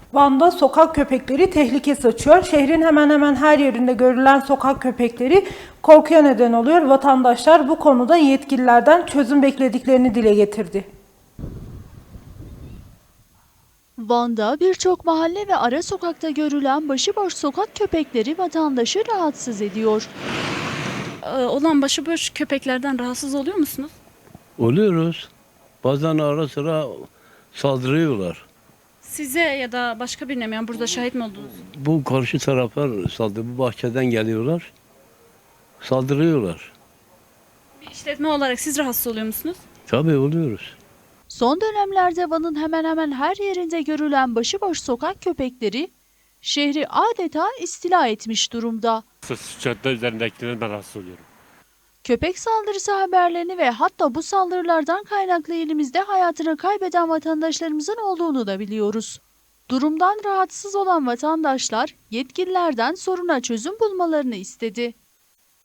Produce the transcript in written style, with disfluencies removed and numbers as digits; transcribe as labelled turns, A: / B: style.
A: Van'da sokak köpekleri tehlike saçıyor. Şehrin hemen hemen her yerinde görülen sokak köpekleri korkuya neden oluyor. Vatandaşlar bu konuda yetkililerden çözüm beklediklerini dile getirdi.
B: Van'da birçok mahalle ve ara sokakta görülen başıboş sokak köpekleri vatandaşı rahatsız ediyor.
C: Olan başıboş köpeklerden rahatsız oluyor musunuz?
D: Oluyoruz. Bazen ara sıra saldırıyorlar.
C: Size ya da başka birine mi? Yani burada şahit mi oldunuz?
D: Bu karşı taraflar saldırı, bu bahçeden geliyorlar. Saldırıyorlar.
C: Bir işletme olarak siz rahatsız oluyor musunuz?
D: Tabii oluyoruz.
B: Son dönemlerde Van'ın hemen hemen her yerinde görülen başıboş sokak köpekleri şehri adeta istila etmiş durumda.
E: Cadde üzerindekilerden ben rahatsız oluyorum.
B: Köpek saldırısı haberlerini ve hatta bu saldırılardan kaynaklı elimizde hayatını kaybeden vatandaşlarımızın olduğunu da biliyoruz. Durumdan rahatsız olan vatandaşlar yetkililerden soruna çözüm bulmalarını istedi.